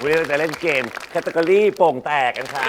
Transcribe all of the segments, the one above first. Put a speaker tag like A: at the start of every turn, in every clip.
A: วันนี้เราจะเล่นเกมแคตตากรีโป่งแตกกันค่ะ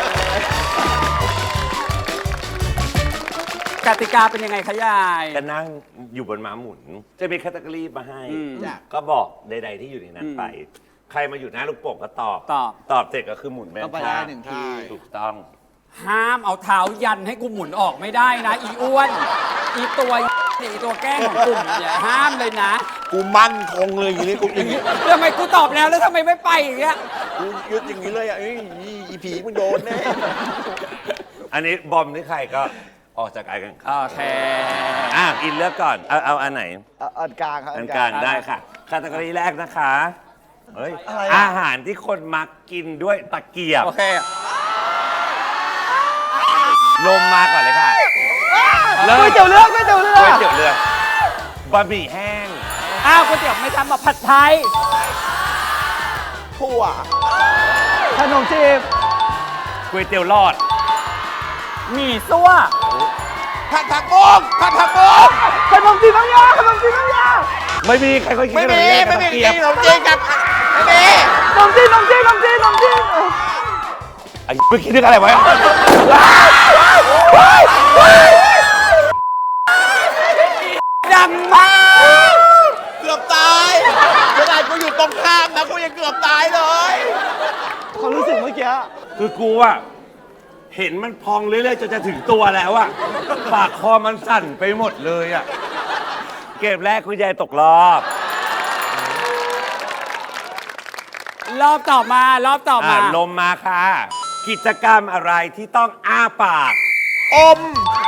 B: กติกาเป็นยังไงคะยาย
A: จะนั่งอยู่บนม้าหมุน จะมีแคตตากรีมาให้
B: จ้ะ
A: ก็บอกใดๆที่อยู่ในนั้นไป ใครมาอยู่หน้าลูกโป่งก็ตอบ ตอบเสร็จก็คือหมุนแม่น
C: ก็ไปได้หนึ่งที
A: ถูกต้อง
B: ห้ามเอาเท้ายันให้กูหมุนออกไม่ได้นะ อีอ้วน อีตัวอีตัวแกล้งของกลุ่มเนี่ยห้ามเลยนะ
C: กูมั่นคงเลยอย่างนี้กูอย่างนี้
B: ทำไมกูตอบแล้วทำไมไม่ไปอย่างเงี้ย
C: กูยึดอย่างนี้เลยอ่ะเอ้ยอีผีมึงโดนแน่
A: อันนี้บอมนี่ใครก็ออกจากการแข่งขัน
B: โอเค
A: อินเลือกก่อน เอาอันไหน
C: อันกลางครับ
A: อันกลางได้ค่ะแคตตากรีแรกนะคะเฮ้ย
C: อะไรอะ
A: อาหารที่คนมักกินด้วยตะเกียบ
B: โอเค
A: ลมมาก่อนเลยค่ะ
C: ก๋วยเตี๋ยวเรือก๋วยเตี๋ยวเรือ
A: ก๋วยเตี๋ยวเรือบะหมี่แห้ง
B: อ้าวก๋วยเตี๋ยวไม่ทำมาผัดไทย
C: ถั่วขนมจีบ
A: ก๋วยเตี๋ยวหลอด
B: หมี่ซั่ว
C: ผัดผักบุ้งผัดผักบุ้งขนมจีบน้ำยาขนมจีบน้ำยา
A: ไม่มีใครเคยกิน
C: ไม่มี
A: ขน
C: ไม่
A: จี
C: มี
A: บ
C: ขนมจีบกับไม่มีขนมจีบขนมจีบขนมจีบขนมจีบ
A: ไอ้ไปคิดเรื่องอะไรไว้
B: ดังมาก
C: เกือบตายขนาดกูอยู่ตรงข้ามนะกูยังเกือบตายเลยความรู้สึกเมื่อกี้
A: คือกูอะเห็นมันพองเรื่อยๆจนจะถึงตัวแล้วอะปากคอมันสั่นไปหมดเลยอะเกมแรกคุณยายตกรอบ
B: รอบต่อมารอบต่อมา
A: ลมมาค่ะ กิจกรรมอะไรที่ต้องอ้าปาก
C: อม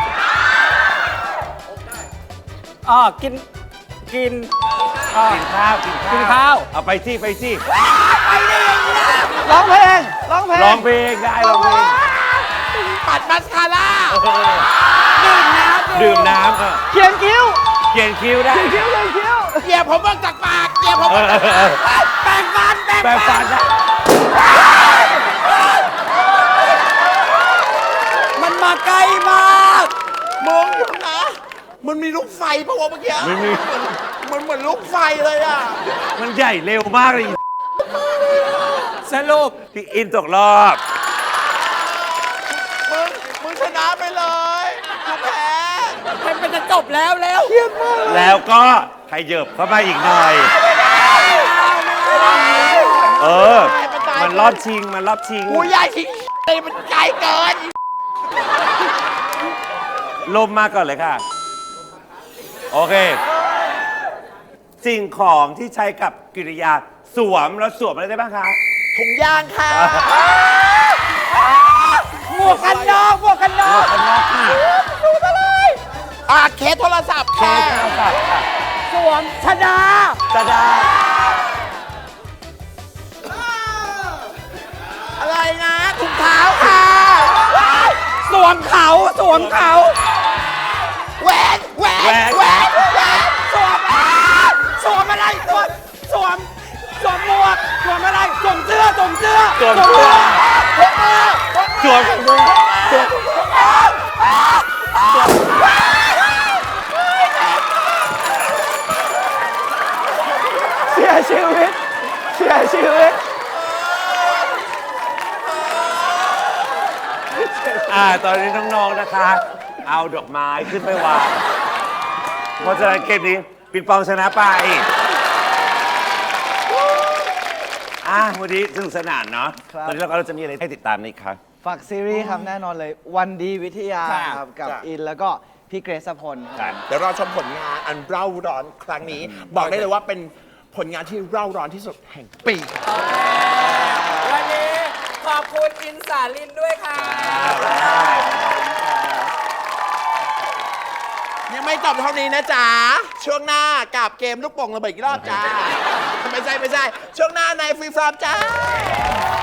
B: กิน
A: กินข้าว
B: กินข้าว
A: เอาไปสิไปสิ
C: ร้องเพลงร้องเพลง
A: ร้องเพลงได้ร้องเพลง
C: ปัดมัสคาร่า
A: ดื่มน้ำ
C: เขียนคิ้ว
A: เขียนคิ้วได้
C: เขียนคิ้วเกี่ยผมออกจากปากเกี่ยผมออกจากปากแปรงฟัน
A: แปรงฟันได้
B: มันมาไกลมาก
C: มองอยู่นะมันมีลูกไฟปะวะเมื่อกี้
A: ไม่มี
C: มันเหมือนลูกไฟเลยอ่ะ
A: มันใหญ่เร็วมากเลย
B: สรุป
A: พี่อินตกรอบ
C: มึงชนะไปเลยกูแพ้
B: มันจะจบแล้วแล้ว
C: เครียดมากเลย
A: แล้วก็ขยับเข้ามาอีกหน่อย มันรอบชิง มันรอบชิง
C: กูใหญ่ทิ้งเลยมันไกลเกิน
A: ลมมาก่อนเลยค่ะ โอเค สิ่งของที่ใช้กับกิริยาสวมแล้วสวมอะไรได้บ้างคะ
C: ถุงยางค่ะ
B: หมวกกันน็อกหมวกกันน็อก
A: ข้างนอกค่ะ
C: เคสโทรศัพท์
A: แค่
C: ค่ะ
A: ข้าวสัตว์ค่ะ
B: สวมชดา
A: จะได้
C: อะไรนะถุงเท้าค่ะ
B: สวมเขาสวมเขา
C: แหวนแหวนแหวนแหวน
B: สวมสวมอะไรสวมหมวกสวมอะไรสวมเสื้อสวมเสื้อ
A: สวมเสื้อ
C: พกมือ
A: สวม
C: เสียชีวิตเสียชีวิต
A: ตอนนี้น้องๆนะคะ เอาดอกไม้ขึ้นไปวาง เพราะฉะนั้นเกมนี้ปิงปองชนะไปวันนี้สนุกสนานเนาะ ตอนนี้เราจะมีอะไรให้ติดตามนี่ครับ
D: ฝากซีรีส์ครับแน่นอนเลยวันดีวิทยาครับกับอินแล้วก็พี่เกรซพลครับ
C: เดี๋ยวเราชมผลงานอันเร่าร้อนครั้งนี้ บอกได้เลยว่าเป็นผลงานที่เร่าร้อนที่สุดแห่งปี
B: วันนี้ขอบคุณอินสาลินด้วยค่ะ
C: ยังไม่จบเท่านี้นะจ๊ะ ช่วงหน้ากับเกมลูกโป่งระเบิดอีกรอบจ้า ไม่ใช่ ช่วงหน้าในฟรีฟรอมจ้า